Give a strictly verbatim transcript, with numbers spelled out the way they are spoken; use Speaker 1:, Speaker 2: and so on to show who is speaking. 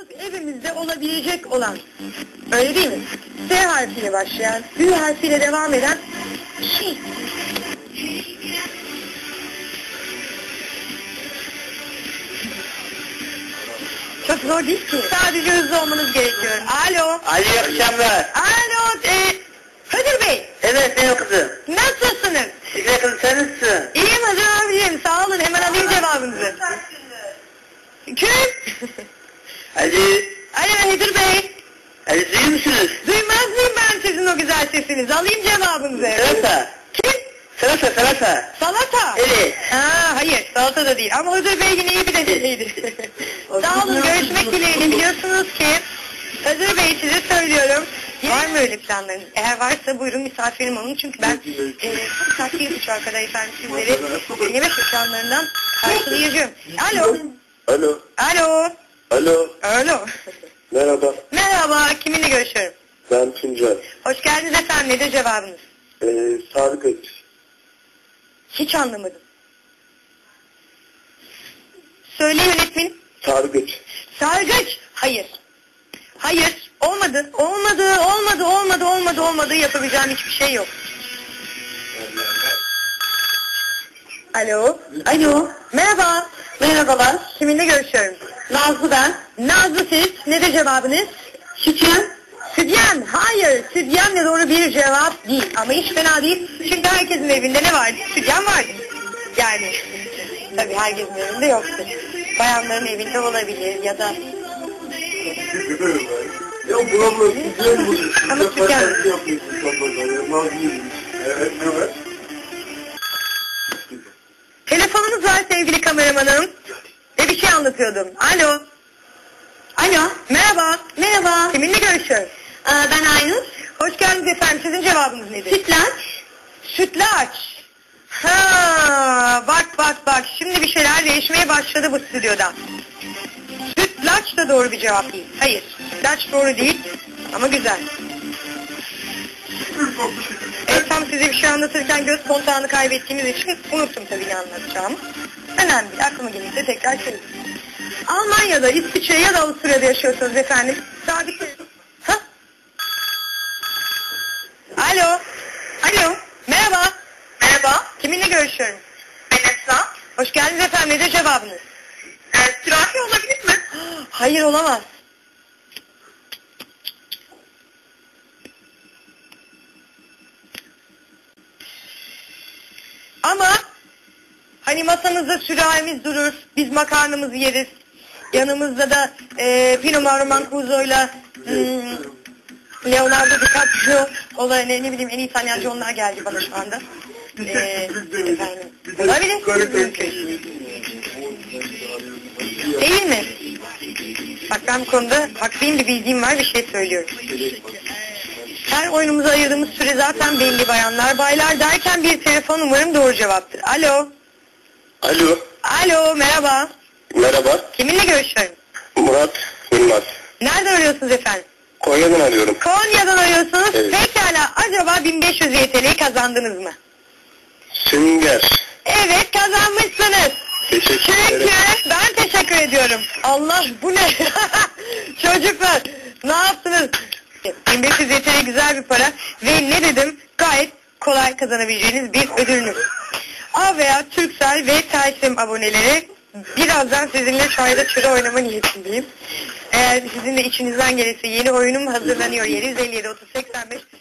Speaker 1: evimizde olabilecek olan, öyle değil mi? S harfiyle başlayan, Ü harfiyle devam eden şey. Çok zor değil ki. Sadece hızlı olmanız gerekiyor. Alo.
Speaker 2: Alo, iyi akşamlar.
Speaker 1: Alo. E, Hıdır Bey.
Speaker 2: Evet, benim kızım.
Speaker 1: Nasılsınız?
Speaker 2: Şükür kızım, sen nasılsın?
Speaker 1: İyiyim Hıdır abicim. Sağ olun. Hemen alayım cevabınızı. Kim?
Speaker 2: Ali,
Speaker 1: Alo Hıdır Bey.
Speaker 2: Ali duyuyor musunuz?
Speaker 1: Duymaz mıyım ben sizin o güzel sesinizi? Alayım cevabınızı.
Speaker 2: Salata.
Speaker 1: Kim?
Speaker 2: Salata, salata.
Speaker 1: Salata.
Speaker 2: Evet.
Speaker 1: Ha, hayır, salata da değil. Ama Hıdır Bey yine iyi bir deneydi. Sağ olun, görüşmek dileğiyle. Biliyorsunuz ki Hıdır Bey size söylüyorum. Var mı öyle planlarınız? Eğer varsa buyurun misafirim olun. Çünkü ben e, saat bir buçuğa kadar efendim sizleri yemek planlarından karşılayacağım. Alo.
Speaker 3: Alo.
Speaker 1: Alo.
Speaker 3: Alo.
Speaker 1: Alo.
Speaker 3: Merhaba.
Speaker 1: Merhaba, kiminle görüşüyorum?
Speaker 3: Ben Tuncay.
Speaker 1: Hoş geldiniz efendim. Nedir cevabınız?
Speaker 3: Ee, Sadık Öç.
Speaker 1: Hiç anlamadım. Söyle yönetmenim.
Speaker 3: Sadık Öç.
Speaker 1: Sargıç. Hayır. Hayır. Olmadı. Olmadı. Olmadı. Olmadı. Olmadı. Olmadı. Yapabileceğim hiçbir şey yok. Alo. Alo. Merhaba. Merhabalar. Kiminle görüşüyorum? Nazlı ben. Nazlı siz. Nedir cevabınız? Sütyen. Sütyen. Hayır. Sütyenle doğru bir cevap değil. Ama hiç fena değil. Çünkü herkesin evinde ne vardı? Sütyen vardı. Yani. Tabii herkesin evinde yoktu. Bayanların evinde olabilir ya da...
Speaker 3: Ya bu abla güzel bu.
Speaker 1: Ama sütyen.
Speaker 3: Evet, evet.
Speaker 1: Telefonunuz var sevgili kameramanım. Ve bir şey anlatıyordum. Alo. Alo. Merhaba. Merhaba. Kiminle görüşüyorum? Ee, ben Aynur. Hoş geldiniz efendim. Sizin cevabınız nedir? Sütlaç. Sütlaç. Ha, bak bak bak. Şimdi bir şeyler değişmeye başladı bu stüdyoda. Sütlaç da doğru bir cevap değil. Hayır. Sütlaç doğru değil. Ama güzel. Evet, tam size bir şey anlatırken göz kontağını kaybettiğimiz için unuttum tabii ne anlatacağımı. Önemli değil. Aklıma gelirse tekrar söylerim. Almanya'da, İsviçre ya da Avusturya'da yaşıyorsunuz efendim. Sabit. Ha? Alo. Alo. Merhaba. Merhaba. Kiminle görüşüyorum? Ben Esra. Hoş geldiniz efendim. Nedir cevabınız? Ee, sürahi olabilir mi? Hayır, olamaz. Ama hani masamızda sürahimiz durur, biz makarnamızı yeriz. Yanımızda da e, Pino Mancuso'yla hmm, Leonardo DiCaprio olay ne, ne bileyim en iyi İtalyancı onlar geldi bana şu anda. E, efendim, olabilir. Değil mi? Bak ben bu konuda haklıyım, bir bildiğim var, bir şey söylüyorum. Her oyunumuza ayırdığımız süre zaten belli bayanlar. Baylar derken bir telefon umarım doğru cevaptır. Alo.
Speaker 3: Alo.
Speaker 1: Alo, merhaba.
Speaker 3: Merhaba.
Speaker 1: Kiminle görüşüyorum?
Speaker 3: Murat Yılmaz.
Speaker 1: Nerede arıyorsunuz efendim?
Speaker 3: Konya'dan arıyorum.
Speaker 1: Konya'dan arıyorsunuz.
Speaker 3: Evet.
Speaker 1: Pekala, acaba bin beş yüz Y T L'yi kazandınız mı?
Speaker 3: Sünger.
Speaker 1: Evet, kazanmışsınız.
Speaker 3: Teşekkür
Speaker 1: Çünkü
Speaker 3: ederim.
Speaker 1: ben teşekkür ediyorum. Allah, bu ne? Çocuklar, ne yaptınız? bin beş yüz Y T L güzel bir para ve ne dedim? Gayet kolay kazanabileceğiniz bir ödülünüz. A veya Turkcell ve Telsim aboneleri, birazdan sizinle çayda çıra oynama niyetindeyim. Eğer sizin de içinizden gelirse yeni oyunum hazırlanıyor. yedi yüz elli yedi otuz seksen beş